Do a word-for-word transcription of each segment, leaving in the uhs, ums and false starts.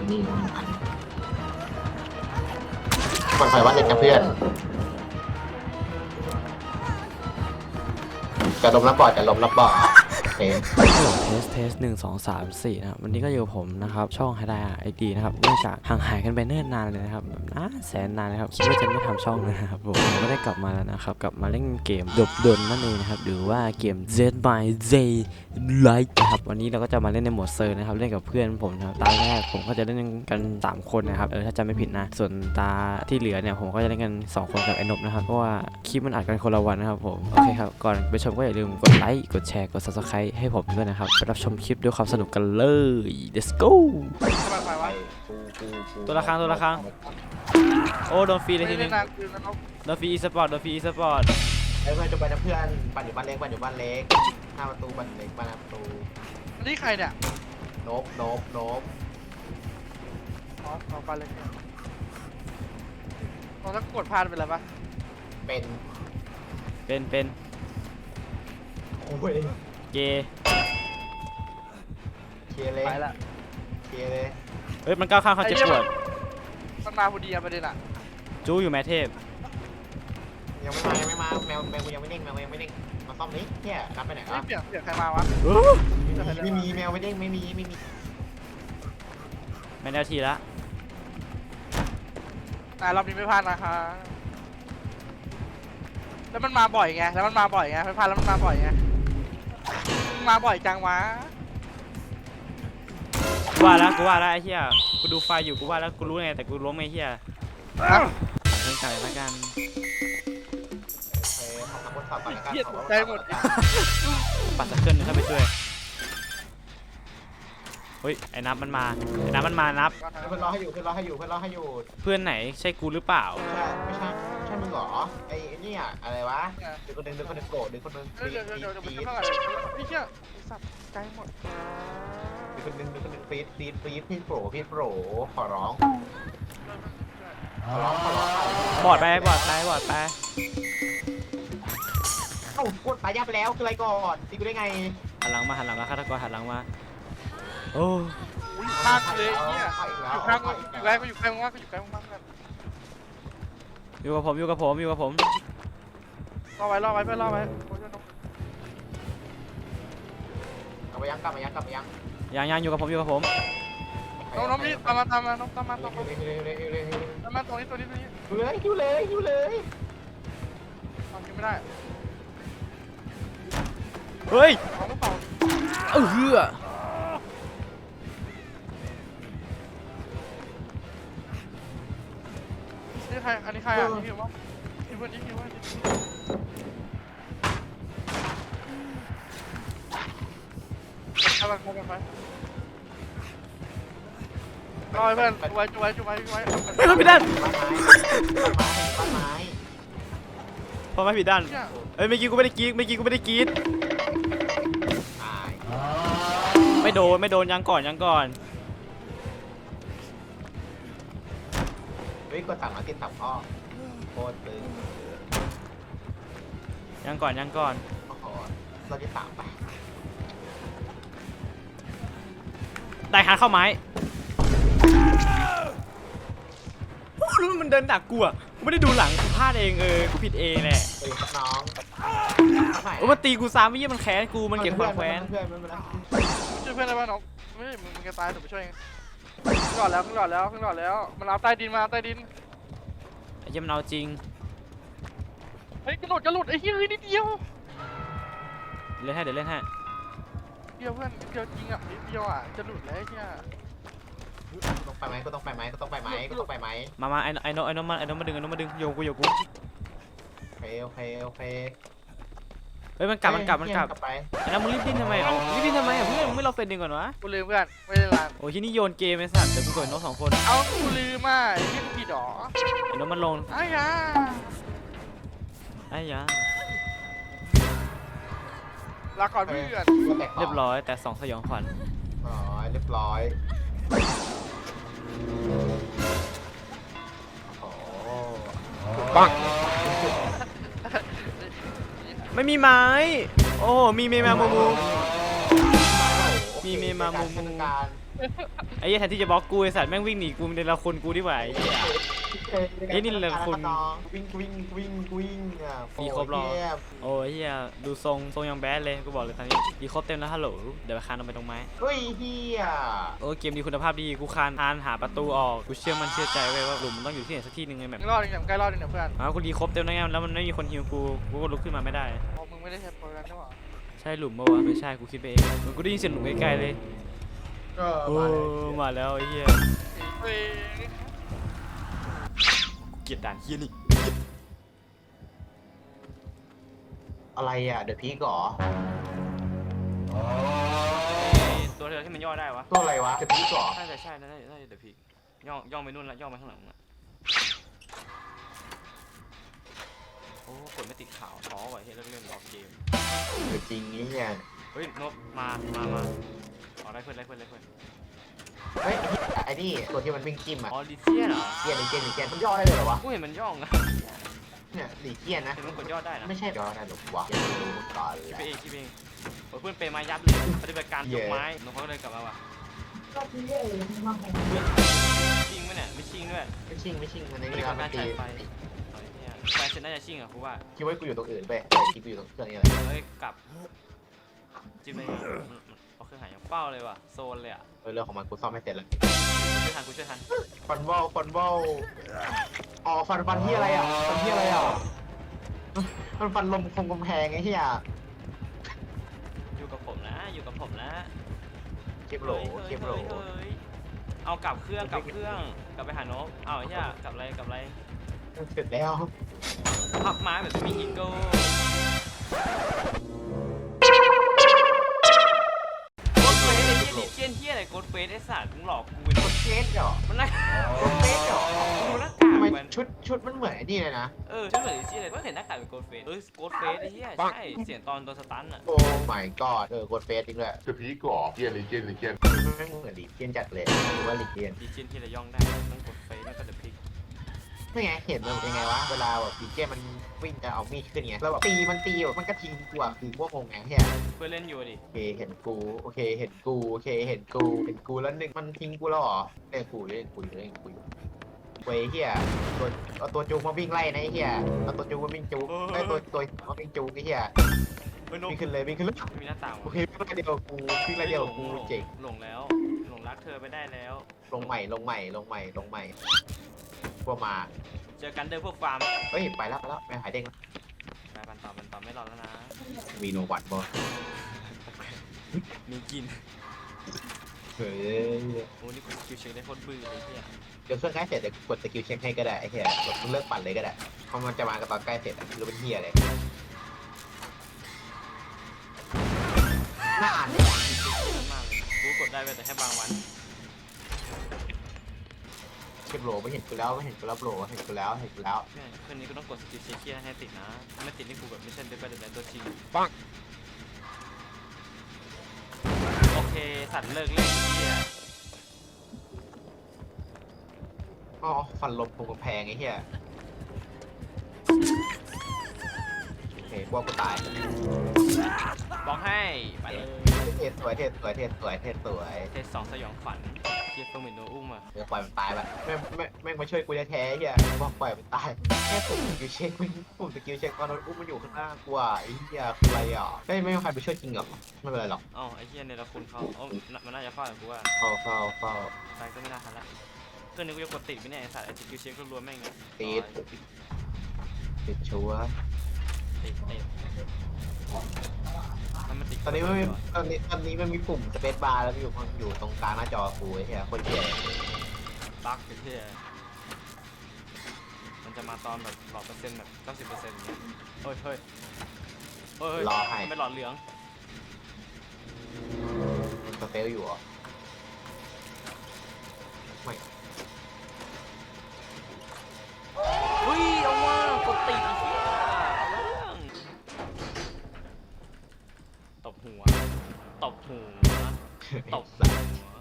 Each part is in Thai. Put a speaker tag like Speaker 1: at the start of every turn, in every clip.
Speaker 1: นี่ปลอดภัยว่าเด็กกับเพื่อนจะล้มรับบ่อจะล้มรับบ่อเทส
Speaker 2: เทสเทสหนึ่งสองสามสี่นะครับวันนี้ก็อยู่ผมนะครับช่องไฮไดไอดีนะครับเนื่องจากห่างหายกันไปเนิ่นนานเลยนะครับแบบนานแสนนานเลยครับคิดว่าจะไม่ทำช่องเลยนะครับผมก็ได้กลับมาแล้วนะครับกลับมาเล่นเกมดบดนนั่นเองนะครับหรือว่าเกม Z by Z Like นะครับวันนี้เราก็จะมาเล่นในโหมดเซอร์นะครับเล่นกับเพื่อนผมนะครับตาแรกผมก็จะเล่นกันสามคนนะครับเออถ้าจำไม่ผิดนะส่วนตาที่เหลือเนี่ยผมก็จะเล่นกันสองคนกับไอ้นบนะครับเพราะว่าคลิปมันอัดกันคนละวันนะครับผมโอเคครับก่อนไปชมก็อย่าลืมกดไลค์กดแชร์กด ซับสไครบ์ ให้ผมด้วยนะครับไปรับชมคลิปด้วยความสนุกกันเลย let's go ตัวละครั้งตัวละครั้งโอ้โดนฟรีเลยทีนึงโดนฟรีอีสปอร์ตโดนฟรีอีสปอร์ต
Speaker 1: ไอ้เพื่อนจะไปนะเพื่อนปั่นอยู่บ้านเล็กปั่นอยู่บ้านเล็กหน้าประตูบ้านเล็กบ้านประตู
Speaker 3: นี่ใครเนี่ย
Speaker 1: โนบโนบโนบ
Speaker 3: อ๋อเอาไปเลยเราต้องกดพลาดไปแล้วปะ
Speaker 1: เป็น
Speaker 2: เป็นเป็น
Speaker 1: โอ้ย
Speaker 2: เกย์
Speaker 1: เคลียร์เลย
Speaker 3: ไปละ
Speaker 1: เคลียร์เลย
Speaker 2: เฮ้ยมันก้าวข้ามเขาเจ็บปวด
Speaker 3: มันมาพอดีอะประเด็นอะ
Speaker 2: จู้อยู่แมทเทพ
Speaker 1: ยังไม่มายังไม่มาแมวแมวกูยังไม่เด้งแมวยังไม่เด้งมาซ่อมนี้เนี่ยกลับไปไหน
Speaker 3: ไม่
Speaker 1: วะ
Speaker 3: เปลี่ยนเปลี่ยนใครมาวะ
Speaker 1: ไม่มีแมวไม่เด้งไม่มีไม่มี
Speaker 2: แมนเอลทีละ
Speaker 3: อ่ารอบนี้ไม่พลาดนะคะแล้วมันมาบ่อยไงแล้วมันมาบ่อยไงไม่พลาดแล้วมันมาบ่อยไงมาบ่อยจังวะ
Speaker 2: กูว่าแล้วกูว่าแล้วไอ้เหี้ยกูดูไฟอยู่กูว่าแล้วกูรู้ไงแต่กูล้มไอ้เหี้ยเล่นไก่ละกัน
Speaker 1: เฮ้ยทำทดสอบก่อนแล้วกัน
Speaker 3: เหี้ยตกใจหมด
Speaker 2: ปัดสักเครื่องนึงเข้าไปช่วยเฮ้ยไอ้นับมันมาไอ้นับมันมานับ
Speaker 1: เพื่อนรอให้อยู่เพื่อนรอให้อยู่เพื่อนรอให้อยู่
Speaker 2: เพื่อนไหนใช่กูหรือเปล่า
Speaker 1: ไม่ใช่ไม่ใช่ใช่มึงเหรอไอ้เนี่ยอะไรวะเดี๋ยวคนนึงเดี๋ยวคนนึงโกรธเดี๋ยวคนนึง
Speaker 3: เดี๋ยวเดี๋ยวเดี๋ยวเดี๋ยว
Speaker 1: ฟี
Speaker 3: มัน
Speaker 1: ด
Speaker 3: จะเท่าไหร่พี่เชี่ยสับใจหมด
Speaker 1: เดี๋ยวคนนึงเดี๋ยวคนนึงฟีดฟีดฟีดพี่โปรพี่โปรขอร้องขอร้องขอร้อง
Speaker 2: บอดไปบอดไปบอดไป
Speaker 1: เอ้าพูดตายยับแล้วคืออะไรก่อนตีกูได้ไง
Speaker 2: หันหลังมาหันหลังมาฆาตกรหันหลังมาโอ้
Speaker 3: ข้างเลยเนี่ยอยู่ข้างอยู่ใกล้ก็อยู่ใกล้มากก็อยู่ใกล้มากกัน
Speaker 2: อยู่กับผมอยู่กับผมอยู่กับผม
Speaker 3: รอไว้รอไว้เพื่อนรอไว้
Speaker 1: กลับมายังกลับมายังกลับมายัง
Speaker 2: ยังยังอยู่กับผมอยู่กับผม
Speaker 3: น้องน้องนี่ตามมาตามมาน้องตามมาตามมา
Speaker 1: เร็วเร็วเร็วเร็วเร็ว
Speaker 3: ตามมาตรงนี้ตรงนี้ตรงนี้
Speaker 1: อยู่เลยอยู่เลยอยู่เลย
Speaker 3: ทำไม่ได้
Speaker 2: เฮ้ย
Speaker 3: เอาไม่เป่า
Speaker 2: เออเฮือ
Speaker 3: นี่ใครอันนี้ใครอ่ะนี่หิวมั้งนี่เพื่อนนี่หิวมั้งเข้าไปเข้าไปไปรอเพื่อนจุไว้จุไว้จุไว้จุไว้
Speaker 2: เฮ้ยมันผิดด้าน
Speaker 1: บ้านไม้บ้านไม้
Speaker 2: พอไม่ผิดด้านเอ้ยเมื่อกี้กูไม่ได้กรีดเมื่อกี้กูไม่ได้กรีด
Speaker 1: ตาย
Speaker 2: ไม่โดนไม่โดนยังก่อนยังก่อน
Speaker 1: เฮ้ยกดสามมาติดสามข้อโคตรตึง
Speaker 2: ยังก่อนยังก่อน
Speaker 1: โอ้โหเราที่สามไป
Speaker 2: ได้ฮาร์ดเข้าไม้รู้มันเดินดักกูอ่ะกูไม่ได้ดูหลังกูพลาดเองเออกูผิดเองแหละ
Speaker 1: เฮ้ยครับน้อง
Speaker 2: โอ้มันตีกูซ้ำไม่ยี่มันแค้นกูมันเก็บความแค้น
Speaker 1: เพื่อนเพื่อนเพื่อน
Speaker 3: ช่วยเพื่อนได้ป่ะน้องไม่มึงมึงจะตายถูกไปช่วยเองขึ้นหลอดแล้วขึ้นหลอดแล้วขึ้นหลอดแล้วมันเอาใต้ดินมาใต้ดิน
Speaker 2: ไอ้เหี้ยมันเอาจริง
Speaker 3: เฮ้ยกระโดดกระโดดไอ้เหี้ยนิดเดียว
Speaker 2: เล่นให้เดี๋ยวเล่นให้
Speaker 3: เดียวเพื่อนนิดเดียวจริงอ่ะนิดเดียวอ่ะจะหลุดแล้วไอ้เหี้ย
Speaker 1: ต้องไปไหมก็ต้องไปไหมก็ต้องไปไหมก็ต้องไปไหม
Speaker 2: มามาไอ้ไอ้โนไอ้โนมาไอ้โนมาดึงไอ้โนมาดึงโยกูโยกู
Speaker 1: โอเคโอเคโอเค
Speaker 2: เฮ้ยมันกลับมันกลับมันกลับ
Speaker 1: ไป
Speaker 2: ไอ้น้ำมึงรีบดิ้นทำไมเอารีบดิ้นทำไมอ่ะเพื่อนมึงไม่รอเฟรนดึงก่อนวะ
Speaker 3: กูลืมเพื่อนไม่ได้ร้าน
Speaker 2: โอ้ยที่นี่โยนเกมไอ้สัตว์เดี๋ยวกูกดน้องสองคน
Speaker 3: เอากูลืมอ่ะไอ้เหี้ยกูผิดหรอ
Speaker 2: ไอ้โนมันลง
Speaker 3: ไอ้ยา
Speaker 2: ไอ้ยา
Speaker 3: ลาก่อนเพื่อน
Speaker 2: เรียบร้อยแต่สองสยองขวัญ
Speaker 1: อ๋อเรียบร้อยโอ้ปัง
Speaker 2: ไม่มีไม้โอ้โหมีเมมามูมูมีมีเมมามุม
Speaker 1: เทศกาล
Speaker 2: ไอ้เหี้ยแทนที่จะบล็อกกูไอ้สัตว์แม่งวิ่งหนีกูในละคนกูดีกว่าไอ้เหี้ย เฮ้ยนี่แหละคุณ
Speaker 1: วิ่งวิ่งวิ่งวิ่งอ่ะ
Speaker 2: มีครบหรอ
Speaker 1: โอ้ยเทียบ
Speaker 2: โอ้ยเหี้ยดูทรงทรงยังแบดเลยกูบอกเลยตอนนี้ดีครบเต็มแล้วฮัลโหลเดี๋ยวไปคานลงไปตรงไม้
Speaker 1: เฮ้ยเฮีย
Speaker 2: โอ้เกมดีคุณภาพดีกูคานคานหาประตูออกกูเชื่อมันเชื่อใจไว้ว่าหลุมมันต้องอยู่ที่ไหนสักที่หนึงไงแบบ
Speaker 3: มึงรอดอย่างใกล้รอดอย่างเพื่อน
Speaker 2: อ้าวกูดีครบเต็มแล้วไงแล้วมันไม่มีคนฮิวกูกูก็ลุกขึ้นมาไม่ได้
Speaker 3: โอ้มึงไม่ได้ใช้โปรแกรมใช่ปะ
Speaker 2: ใช่หลุมปะวะไม่ใช่กูคิดไปเองเหมือนกูได้ยินเสียงหลุมไกลๆเลย
Speaker 1: ก็
Speaker 2: โอ้
Speaker 1: มาเลย
Speaker 2: มาแล้วไอ้เหี้ย
Speaker 3: เฮ้ย
Speaker 2: เกลียดด่านเหี้ยนี่
Speaker 1: อะไรอ่ะเดอะพีก่อ
Speaker 2: ตัวเธอที่มันย่อได้วะ
Speaker 1: ตัวอะไรวะเดอะพีก่อ
Speaker 2: น่าจะใช่น่าจะน่าจะเดี๋ยวพี่ย่อย่อไปนู่นละย่อไปข้างหลังละโอ้กดไม่ติดขาวท้อว่ะเฮ้ยเลิกเล่นออกเกม
Speaker 1: เออจริงนี่เนี่ย
Speaker 2: เฮ้ยนกมามามาอ๋อได้เพื่อนได้เพื่อนได้เพื่อน
Speaker 1: เฮ้ยไอ้นี่ตัวที่มันวิ่งจิ้มอ่ะ
Speaker 2: อ๋อลิเจียนเหรอ
Speaker 1: เกียนหรือเกียนหรือเกียนมันย่อได้เลยเหรอวะ
Speaker 2: กูเห็นมันย่องนะ
Speaker 1: เนี่ยหลีเกียนนะ
Speaker 2: เห็นมันกดย่อได้นะ
Speaker 1: ไม่ใช่ย่อได้หรอกวะยังไม่รู้มาก่อน
Speaker 2: คิด
Speaker 1: แห
Speaker 2: ไป
Speaker 1: ละ
Speaker 2: เองคิดไปเองโอ้ยเพื่อนเปย์ไม้ยับเลยปฏิบัติการยกไม้น้องเขาก็เลยกลับมาว่ะชิงไหมเนี่ยไม่ชิงด้วย
Speaker 1: ไม่ชิงไม่ชิงอันนี้
Speaker 2: ไม่ได้
Speaker 1: เรา
Speaker 2: กำ
Speaker 1: ไม่
Speaker 2: การ
Speaker 1: ตี
Speaker 2: ฉายไฟอ๋อเนี่ยไฟเซนน่าจะชิงอ่ะกูว่า
Speaker 1: คิดว่ากูอยู่ตรงอื่นไปแต่คิดกูอยู่ตรงเครื่องนี้แหละ
Speaker 2: เฮ้ยกลับจิ้มเลยเอาเครื่องหายยังเป้าเลยว่ะโซนเลยอ่ะ
Speaker 1: เออเรื่องของมันกูซ่อมไม่เสร็จแล้ว
Speaker 2: ช่วยทันกูช่วยทัน
Speaker 1: ฟันวอลฟันวอลอ๋อฟันฟันที่อะไรอ่ะฟันที่อะไรอ่ะมันฟันลมคงกำแพงไอ้เหี้ย
Speaker 2: อยู่กับผมนะอยู่กับผมนะ
Speaker 1: คลิปโหล
Speaker 2: เฮ้ย
Speaker 1: คลิปโหล
Speaker 2: เฮ้ยเฮ้ยเอากลับเครื่องกลับเครื่องกลับไปหานกเอาไอ้เหี้ยกลับอะไรกลับอะไร
Speaker 1: เสร็จแล้ว
Speaker 2: พับไม้แบบไม่มีอีโก้โกดเฟสไอ้เหี้ยลิเจนเหี้ยอะไรโกดเฟสไอ้สัตว์มึงหลอกกูเป็น
Speaker 1: กดเฟสเหรอ
Speaker 2: มันน่าก
Speaker 1: ดเฟสเหรอ
Speaker 2: ดูหน้ากาก
Speaker 1: ทำไม
Speaker 2: มัน
Speaker 1: ชุดชุดมันเหมือนไอ้นี่เลยนะ
Speaker 2: เออฉันเหมือนลิเจนเลยก็เห็นหน้ากากเป็นโกดเฟสเออโกดเฟสไอ้เหี้ยใช่เสียงตอนโดนสตันอ่ะ
Speaker 1: โอ้ my god เออกดเฟสจริงด้วย
Speaker 4: เดอะพีก่อเกียร์ลิเจนลิเจน
Speaker 1: ไม่เหมือนลีเกียนจัดเลยหรือว่าลีเกียน
Speaker 2: ลิเจนที่ระย่องได้ต้องกดเฟสแล้วก็เดอะพิก
Speaker 1: ไม่ไงเห็นมันยังไงวะเวลาแบบลีเกียนมันวิ่งจะเอามีดขึ้นไงแล้วแบบตีมันตีแบบมันก็ทิ้งกูอ่ะคือพวกงงไงเฮีย
Speaker 2: เพื่อนเล่นอยู่ดิ
Speaker 1: โอเคเห็นกูโอเคเห็นกูโอเคเห็นกูเห็นกูแล้วหนึ่งมันทิ้งกูแล้วเหรอเล่นกูเล่นกูเล่นกูอยู่เว้ยเฮียตัวเอาตัวจูงมาวิ่งไล่นะไอ้เฮียเอาตัวจูงมาวิ่งจูงไอ้ตัวตัวมาวิ่งจูงไอ้เฮีย
Speaker 2: เฮ้ยนก
Speaker 1: วิ่งขึ้นเลยวิ่งขึ้นเลย
Speaker 2: มีหน้าต่าง
Speaker 1: โอ
Speaker 2: วะ
Speaker 1: เควิ่งไล่เดียวกูวิ่งไล่เดียวกูเจ๋ง
Speaker 2: หลงแล้วหลงรักเธอไปได้แล้ว
Speaker 1: ลงใหม่ลงใหม่ลงใหม่ลงใหม่พวกมา
Speaker 2: เจอกันเดินพวกฟาร์ม
Speaker 1: เฮ้ยไปแล้วไปแล้วไปหายเด้งแล้ว
Speaker 2: ไปปันต่อปันต่อไม่รอแล้วนะ
Speaker 1: มีโนวัตบอ
Speaker 2: มีกิน
Speaker 1: เฮ้ย
Speaker 2: โอ้นี่กูคิวเช็คได้โคตรบื้อเลยเฮีย
Speaker 1: เดี๋ยวเครื่องใกล้เสร็จเดี๋ยวกดสกิลเช็คให้ก็ได้ไอ้เหี้ยแบบมึงเลิกปั่นเลยก็ได้เพราะมันจะมากับตอนใกล้เสร็จอะหรือเป็นเหี้ยเลยน่าอ่านเลย
Speaker 2: มากเลยกูกดได้ไปแต่แค่บางวัน
Speaker 1: เก็บโหลไม่เห็นกูแล้วไม่เห็นกูแล้วโหลเห็นกูแล้วเห็นกูแล้ว
Speaker 2: เนี่ยคืนนี้กูต้องกดสกิลเช็คเคียให้ติดนะถ้าไม่ติดนี่กูแบบไม่ใช่เดบิวต์ตัวจริง
Speaker 4: ปัง
Speaker 2: โอเคสัตว์เลิกเล่นเฮีย
Speaker 1: อ๋อฟันลมคงกำแพงไอ้เหี้ยโอเคกลัวกูตาย
Speaker 2: บอกให้ไปเลย
Speaker 1: เทสสวยเทสสวยเทสสวยเทสสวย
Speaker 2: เทสสองสยองขวัญเฮียเฟิร์มเหมือนโดนอุ้มอ่ะ
Speaker 1: เดี๋ยวปล่อยมันตายไปแม่งแม่งแม่งมาช่วยกูแท้ๆไอ้เหี้ยบอกปล่อยมันตายแค่ปุ่มสกิลเช็คมันปุ่มสกิลเช็คตอนนั้นอุ้มมันอยู่ข้างหน้ากูอ่ะไอ้เหี้ยคืออะไรอ่ะเฮ้ยไม่มีใครไปช่วยจริงเหรอไม่เป็นไรหรอก
Speaker 2: เอ้าไอ้เฮียในละคุณเขาเอ้ามันน่าจะฟาดกูว่า
Speaker 1: เฝ้าเฝ้าเฝ้า
Speaker 2: ไปก็ไม่น่าทันละเครื่องนี้กูจะกดติดไหมเนี่ยไอ้สัตว์ไอ้สกิลเช็ครวมๆแม่งเนี่ย
Speaker 1: ติดติดชัวร์
Speaker 2: ติดติดถ้ามันติด
Speaker 1: ตอนนี้ไม่มีตอนนี้ตอนนี้มันมีปุ่มสเปซบาร์แล้วอยู่อยู่ตรงกลางหน้าจอกูไอ้เหี้ยโคนเจ๋ง
Speaker 2: บั๊กไอ้เฮียมันจะมาตอนแบบหลอดเปอร์เซ็นต์แบบเก้าสิบเปอร์เซ็นต์อย่างเงี้ยเฮ้ยเฮ้ยเฮ้ย
Speaker 1: รอให้
Speaker 2: ไม่หลอดเหลือง
Speaker 1: มันสเตลอยู่เหรอไม่
Speaker 2: เฮ้ยเอาว่ากดติดไอ้เหี้ยเอาเรื่องตบหัวตบหัวตบหัว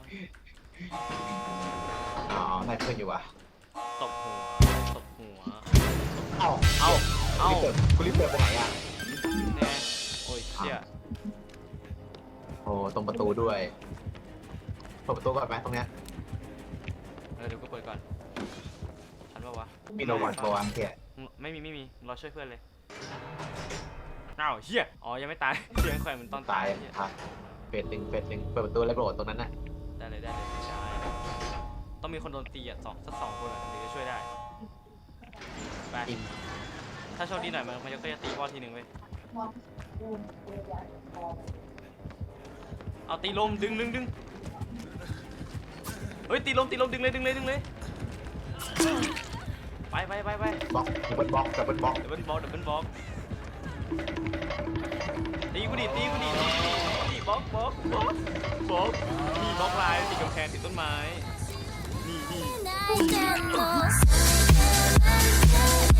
Speaker 1: อ๋อได้เพื่อนอยู่ว่ะ
Speaker 2: ตบหัวตบหัว
Speaker 1: เอ้า
Speaker 2: เอ้าเอ้า
Speaker 1: กูรีบเปิดกูรีบเปิดไปไหนอ่ะ
Speaker 2: เนี่ยโอ้ยเชี่ย
Speaker 1: โอ้ตรงประตูด้วยเปิดประตูก่อนไหมตรงเนี้ย
Speaker 2: เออเดี๋ยวกูเปิดก่อนทันปะวะ
Speaker 1: มีโนวันโบวันเฮีย
Speaker 2: ไม่มีไม่มีรอช่วยเพื่อนเลยอ้าวเฮียอ๋อยังไม่ตายเสียงแขวนเหมือนตอน
Speaker 1: ตาย
Speaker 2: เหี้ย
Speaker 1: ครับเฟสหนึ่งเฟสหนึ่งเปิดประตูแล้วโดดตรงนั้นน่ะ
Speaker 2: ได้เลยได้เลยใช่ต้องมีคนโดนตีอ่ะสองสักสองคนอ่ะถึงจะช่วยได้ไป
Speaker 1: อิน
Speaker 2: ถ้าโชคดีหน่อยมันมันก็จะตีก้อนทีหนึ่งเว้ยเอาตีลมดึงดึงดึงเฮ้ยตีลมตีลมดึงเลยดึงเลยดึงเลยไปไปไปไป
Speaker 1: บล็อกดับเบิลบล็อกดับเบิลบล็อก
Speaker 2: ดับเบิลบล็อกดับเบิลบล็อกตีกูดิตีกูดิตีกูดิตีกูดิบล็อกบล็อกบล็อกบล็อกนี่บล็อกลายติดกำแพงติดต้นไม้นี่นี่